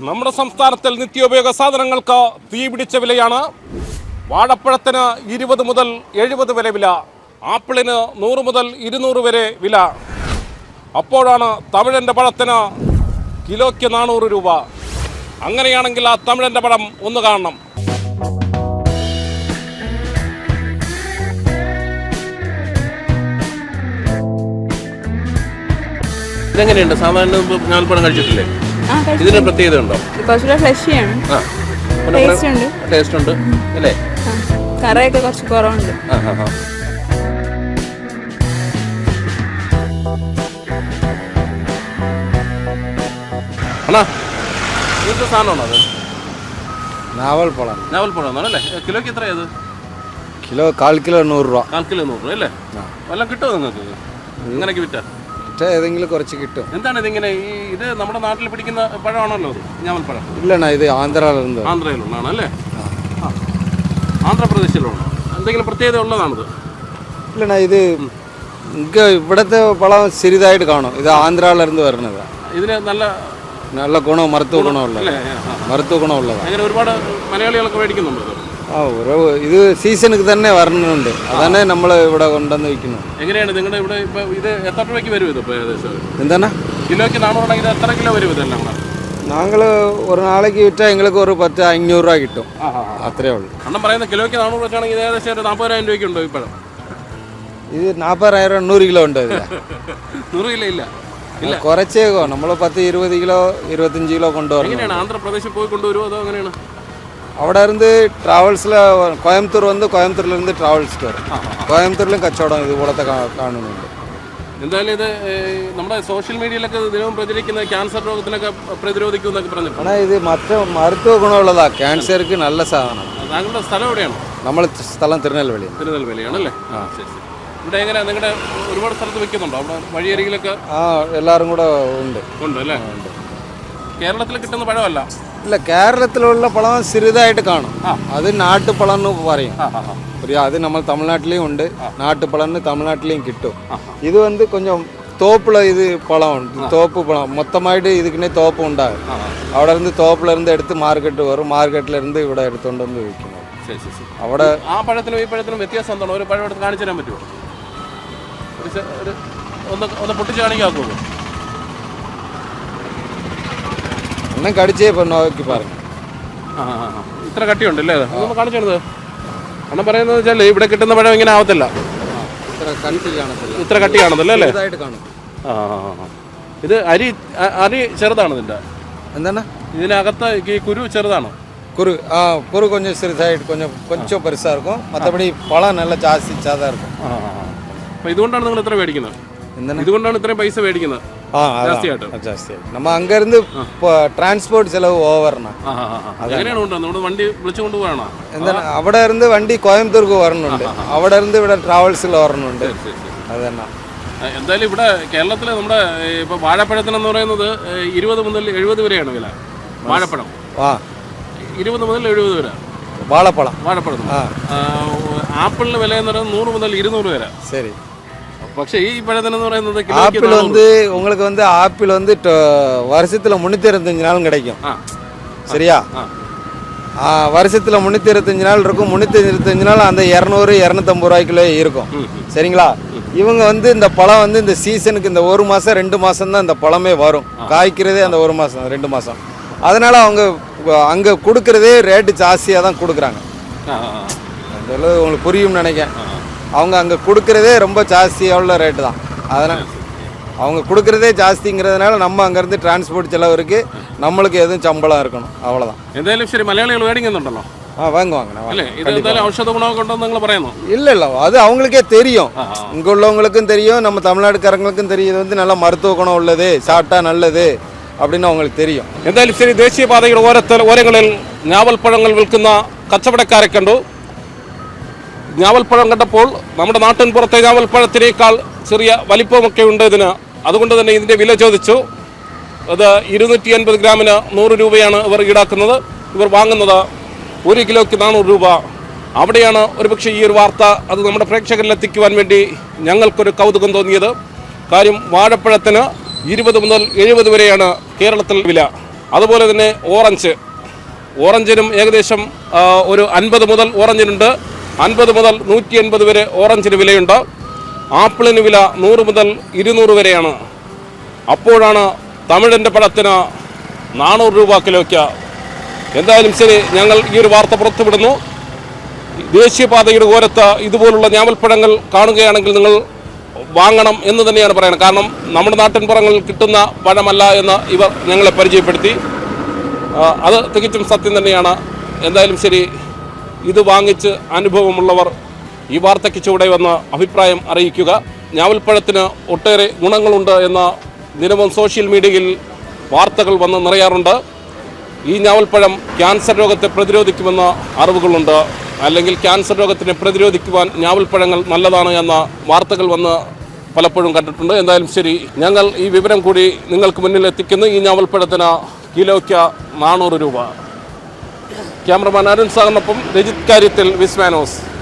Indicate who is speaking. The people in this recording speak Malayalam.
Speaker 1: നമ്മുടെ സംസ്ഥാനത്തിൽ നിത്യോപയോഗ സാധനങ്ങൾക്ക് തീപിടിച്ച വിലയാണ്. വാഴപ്പഴത്തിന് 20 മുതൽ 70 വരെ വില, ആപ്പിളിന് 100 മുതൽ 200 വരെ വില. അപ്പോഴാണ് തമിഴൻ്റെ പഴത്തിന് കിലോയ്ക്ക് 400 രൂപ. അങ്ങനെയാണെങ്കിൽ ആ തമിഴൻ്റെ പഴം ഒന്ന് കാണണം. ഇതെങ്ങനെയുണ്ട്? സാധാരണ ഞാൽപ്പഴം കഴിച്ചിട്ടില്ലേ? ഇതിന് പ്രത്യേകത ഉണ്ടോ? ടേസ്റ്റ് ഉണ്ട് അല്ലേ?
Speaker 2: കറിയൊക്കെ കുറച്ച് കുറവുണ്ട്.
Speaker 1: അണ്ണാ ഇങ്ങനത്തെ സാധനമാണോ അത്?
Speaker 3: നാവൽപ്പഴം
Speaker 1: ആണല്ലേ? കിലോയ്ക്ക് എത്രയത്?
Speaker 3: കിലോ 1/4 കിലോ 100 രൂപ.
Speaker 1: 1/4 കിലോ 100 രൂപ അല്ലേ? വല്ലതും കിട്ടുമോ നിങ്ങൾക്ക് ഇങ്ങനെയൊക്കെ വിറ്റാ?
Speaker 3: ഏതെങ്കിലും കുറച്ച് കിട്ടും.
Speaker 1: എന്താണ് ഇതിങ്ങനെ? ഇത് നമ്മുടെ നാട്ടിൽ പിടിക്കുന്ന പഴമാണല്ലോ ഇത്, ഞാവൽപ്പഴം?
Speaker 3: ഇല്ലണ്ണ, ഇത്
Speaker 1: ആന്ധ്രയിലുള്ളതാണ് അല്ലേ? ആന്ധ്രാപ്രദേശിലുള്ളതാണ്. എന്തെങ്കിലും പ്രത്യേകത ഉള്ളതാണിത്?
Speaker 3: ഇല്ലണ്ണ, ഇത് ഇവിടുത്തെ പഴം ചെറുതായിട്ട് കാണും. ഇത് ആന്ധ്രയിലിருந்து വരുന്നത്.
Speaker 1: ഇതിന്
Speaker 3: നല്ല ഗുണം, മരുത്തുവ ഗുണമുള്ളതാണ്.
Speaker 1: അങ്ങനെ ഒരുപാട് മലയാളികളൊക്കെ മേടിക്കുന്നുണ്ട്.
Speaker 3: ഇത് സീസണുക്ക് തന്നെ വരണുണ്ട്. അതന്നെ നമ്മൾ ഇവിടെ കൊണ്ടുവന്ന് വിൽക്കുന്നു.
Speaker 1: എങ്ങനെയാണ് നിങ്ങളുടെ ഇവിടെ ഇപ്പൊ ഇത് എത്ര രൂപയ്ക്ക് വരും? ഇത് ഏകദേശം
Speaker 3: എന്താണ്
Speaker 1: കിലോയ്ക്ക് 400 ആണെങ്കിൽ എത്ര കിലോ വരും ഇതെല്ലാം?
Speaker 3: ഞങ്ങൾ ഒരു നാളേക്ക് വിറ്റാൽ എங்களுக்கு ഒരു 500 രൂപ കിട്ടും. അത്രേ ഉള്ളൂ.
Speaker 1: അണ്ണം പറയുന്നത് കിലോയ്ക്ക് 400 വെച്ചാണെങ്കിൽ ഏകദേശം ഒരു 40,000 രൂപയ്ക്ക് ഉണ്ടോ ഇപ്പോഴും?
Speaker 3: ഇത് 40,000 100 കിലോ ഉണ്ട്.
Speaker 1: 100 കിലോ ഇല്ല,
Speaker 3: കുറച്ചേക്കോ. നമ്മൾ 10-20 കിലോ 25 കിലോ കൊണ്ടുവരും.
Speaker 1: എങ്ങനെയാണ് ആന്ധ്രാപ്രദേശിൽ പോയി കൊണ്ടുവരുമോ അതോ എങ്ങനെയാണ്?
Speaker 3: അവിടെ ഇருந்து ട്രാവൽസിൽ കോയമ്പത്തൂർ വന്ന് കോയമ്പത്തൂരിലിருந்து ട്രാവൽസ് വരും. കോയമ്പത്തൂരിലും കച്ചവടം ഇതുപോലത്തെ കാണുന്നുണ്ട്.
Speaker 1: എന്തായാലും ഇത് നമ്മുടെ സോഷ്യൽ മീഡിയയിലൊക്കെ ദിനവും പ്രചരിക്കുന്ന ക്യാൻസർ രോഗത്തിനൊക്കെ പ്രതിരോധിക്കുമെന്നൊക്കെ പറഞ്ഞു.
Speaker 3: ஆனால் ഇത് മരുത്തുവ ഗുണമുള്ളതാ. ക്യാൻസർക്ക് നല്ല സാധനം.
Speaker 1: താങ്കളുടെ സ്ഥലം എവിടെയാണ്?
Speaker 3: നമ്മൾ സ്ഥലം
Speaker 1: തിരുനെൽവേലിയാണല്ലേ? ശരി. ഇവിടെ എങ്ങനെ നിങ്ങളുടെ ഒരുപാട് സ്ഥലത്ത് വെക്കുന്നുണ്ടോ? അവിടെ വഴിയരികിലൊക്കെ
Speaker 3: എല്ലാവരും കൂടെ ഉണ്ട്
Speaker 1: അല്ലേ? കേരളത്തിൽ കിട്ടുന്ന പഴമല്ല.
Speaker 3: ഇല്ല, കേരളത്തിലുള്ള പഴം ചെറുതായിട്ട് കാണും. അത് നാട്ടുപഴം എന്ന് പറയും. അത് നമ്മൾ തമിഴ്നാട്ടിലെയും ഉണ്ട്. നാട്ടുപഴം തമിഴ്നാട്ടിലെയും കിട്ടും. ഇത് വന്ന് കൊഞ്ചം തോപ്പിൽ ഇത് പഴമുണ്ട്. തോപ്പ് പഴം മൊത്തമായിട്ട് ഇതിനെ തോപ്പ് ഉണ്ടാകും. അവിടെ ഇருந்து തോപ്പിലിருந்து എടുത്ത് മാർക്കറ്റ് വരും. മാർക്കറ്റിലിருந்து ഇവിടെ എടുത്തുകൊണ്ട് വന്ന് വിൽക്കുന്നത്. അവിടെ
Speaker 1: ആ പഴത്തിനും ഈ പഴത്തിനും വ്യത്യാസം എന്താണ്? ഒരു പഴം എടുത്ത് കാണിച്ചു തരാൻ പറ്റുമോ? ഒന്ന് പൊട്ടിച്ച് കാണിക്കാക്കുമോ?
Speaker 3: ഒന്നും കടിച്ചേ നോക്കി പറഞ്ഞു.
Speaker 1: ഇത്ര കട്ടിയുണ്ടല്ലേ? അതൊന്ന് കാണിച്ചത്. അണ്ണം പറയുന്നത് വെച്ചാൽ ഇവിടെ കിട്ടുന്ന പഴം ഇങ്ങനെ ആവത്തില്ല. ഇത്ര കട്ടി കാണത്തില്ല അല്ലേ? ഇത് അരി ചെറുതാണ്. ഇതിന്റെ എന്താണ്? ഇതിനകത്ത് ഈ കുരു ചെറുതാണ്.
Speaker 3: കുരു കൊഞ്ചം ചെറുതായിട്ട് കൊഞ്ചം പെരുസാ இருக்கும். മറ്റപടി പഴം നല്ല ജാസ്തിയാ இருக்கும்.
Speaker 1: അപ്പൊ ഇതുകൊണ്ടാണ് നിങ്ങൾ ഇത്ര മേടിക്കുന്നത്? ഇതുകൊണ്ടാണ് ഇത്രയും പൈസ മേടിക്കുന്നത്?
Speaker 3: നമ്മ അങ്ങിருந்து ട്രാൻസ്പോർട്ട് ചെലവ് ഓവറാണ്.
Speaker 1: നമ്മുടെ വണ്ടി വിളിച്ചു കൊണ്ടുപോകണോ?
Speaker 3: അവിടെ ഇருந்து വണ്ടി കോയമ്പത്തൂർക്ക് വരണുണ്ട്. അവിടെ ഇருந்து ഇവിടെ ട്രാവൽസിൽ വരണുണ്ട്. അതന്നെ.
Speaker 1: എന്തായാലും ഇവിടെ കേരളത്തിൽ നമ്മുടെ ഇപ്പൊ വാഴപ്പഴത്തിനെന്ന് പറയുന്നത് 20 മുതൽ 70 വരെയാണ് വില. വാഴപ്പഴം 20 മുതൽ 70 വരെ.
Speaker 3: വാഴപ്പഴം
Speaker 1: ആപ്പിളിന് വില എന്ന് പറയുന്നത് 100 മുതൽ 200 വരെ.
Speaker 3: ശരി.
Speaker 1: പക്ഷേ ഈ പഴത്തിനെന്ന് പറയുന്നത്
Speaker 3: ആപ്പിൾ உங்களுக்கு ஆப்பிள் வருஷத்துல 365 நாளும் கிடைக்கும். சரியா? வருஷத்துல 365 நாள் இருக்கும். 365 நாள் அந்த 200-250 ரூபாய்க்குள்ளே இருக்கும். சரிங்களா? இவங்க இந்த பழம் இந்த சீசனுக்கு இந்த 1 மாதம் 2 மாதம் தான் இந்த பழமே வரும். காய்க்கிறதே அந்த 1 மாதம் 2 மாதம். அதனால அவங்க அங்கே கொடுக்கறதே ரேட்டு ஜாஸ்தியாக தான் கொடுக்குறாங்க. அதெல்லாம் உங்களுக்கு புரியும்னு நினைக்கிறேன். அவங்க அங்கே கொடுக்குறதே ரொம்ப ஜாஸ்தியாக ரேட்டு தான். அதனால் அவங்க கொடுக்குறதே ஜாஸ்திங்கிறதுனால நம்ம அங்கேருந்து டிரான்ஸ்போர்ட் செலவு இருக்குது. நம்மளுக்கு எதுவும் சம்பளம் இருக்கணும். அவ்வளோதான்.
Speaker 1: എന്തായാലും ശരി, മലയാളികൾ മേടിക്കുന്നുണ്ടല്ലോ?
Speaker 3: வாங்குவாங்க.
Speaker 1: ഔഷധ ഗുണമൊക്കെ ഉണ്ടെന്ന് നിങ്ങൾ പറയുന്നു?
Speaker 3: இல்லை, அது அவங்களுக்கே தெரியும். இங்கே உள்ளவங்களுக்கும் தெரியும், நம்ம தமிழ்நாட்டுக்காரங்களுக்கும் தெரியும். இது நல்ல மருத்துவ குணம் உள்ளது, சாப்பிட்டா நல்லது அப்படின்னு அவங்களுக்கு தெரியும்.
Speaker 1: എന്തായാലും ശരി, ദേശീയപാതയുടെ ഓരങ്ങളിൽ ഞാവൽപ്പഴങ്ങൾ വിൽക്കുന്ന കച്ചവടക്കാരെ കണ്ടു. ഞാവൽപ്പഴം കണ്ടപ്പോൾ നമ്മുടെ നാട്ടിൻ പുറത്തെ ഞാവൽപ്പഴത്തിനേക്കാൾ ചെറിയ വലിപ്പമൊക്കെ ഉണ്ട് ഇതിന്. അതുകൊണ്ട് തന്നെ ഇതിൻ്റെ വില ചോദിച്ചു. അത് 280 ഗ്രാമിന് 100 രൂപയാണ് ഇവർ ഈടാക്കുന്നത്. ഇവർ വാങ്ങുന്നത് 1 കിലോയ്ക്ക് 400 രൂപ. അവിടെയാണ് ഒരുപക്ഷെ ഈ ഒരു വാർത്ത അത് നമ്മുടെ പ്രേക്ഷകരിലെത്തിക്കുവാൻ വേണ്ടി ഞങ്ങൾക്കൊരു കൗതുകം തോന്നിയത്. കാര്യം വാഴപ്പഴത്തിന് 20 മുതൽ 70 വരെയാണ് കേരളത്തിൽ വില. അതുപോലെ തന്നെ ഓറഞ്ചിനും ഏകദേശം ഒരു 50 മുതൽ ഓറഞ്ചിനുണ്ട്, 50 മുതൽ 180 വരെ ഓറഞ്ചിന് വിലയുണ്ട്. ആപ്പിളിന് വില 100 മുതൽ 200 വരെയാണ്. അപ്പോഴാണ് തമിഴിൻ്റെ പഴത്തിന് 400 രൂപ കിലോയ്ക്ക്. എന്തായാലും ശരി, ഞങ്ങൾ ഈ ഒരു വാർത്ത പുറത്തുവിടുന്നു. ദേശീയപാതയുടെ ഓരത്ത് ഇതുപോലുള്ള ഞാവൽപ്പഴങ്ങൾ കാണുകയാണെങ്കിൽ നിങ്ങൾ വാങ്ങണം എന്ന് തന്നെയാണ് പറയുന്നത്. കാരണം നമ്മുടെ നാട്ടിൻപുറങ്ങളിൽ കിട്ടുന്ന പഴമല്ല എന്ന് ഇവർ ഞങ്ങളെ പരിചയപ്പെടുത്തി. അത് തികച്ചും സത്യം തന്നെയാണ്. എന്തായാലും ശരി, ഇത് വാങ്ങിച്ച് അനുഭവമുള്ളവർ ഈ വാർത്തയ്ക്ക് ചുവടെ വന്ന് അഭിപ്രായം അറിയിക്കുക. ഞാവൽപ്പഴത്തിന് ഒട്ടേറെ ഗുണങ്ങളുണ്ട് എന്ന ദിനവും സോഷ്യൽ മീഡിയയിൽ വാർത്തകൾ വന്ന് നിറയാറുണ്ട്. ഈ ഞാവൽപ്പഴം ക്യാൻസർ രോഗത്തെ പ്രതിരോധിക്കുമെന്ന അറിവുകളുണ്ട്. അല്ലെങ്കിൽ ക്യാൻസർ രോഗത്തിനെ പ്രതിരോധിക്കുവാൻ ഞാവൽപ്പഴങ്ങൾ നല്ലതാണ് എന്ന വാർത്തകൾ വന്ന് പലപ്പോഴും കണ്ടിട്ടുണ്ട്. എന്തായാലും ശരി, ഞങ്ങൾ ഈ വിവരം കൂടി നിങ്ങൾക്ക് മുന്നിൽ എത്തിക്കുന്നു. ഈ ഞാവൽപ്പഴത്തിന് കിലോയ്ക്ക് 400 രൂപ. ക്യാമറമാൻ അരുൺ സാറിനൊപ്പം രജിത് കാര്യത്തിൽ, വിസ്മാനോസ്.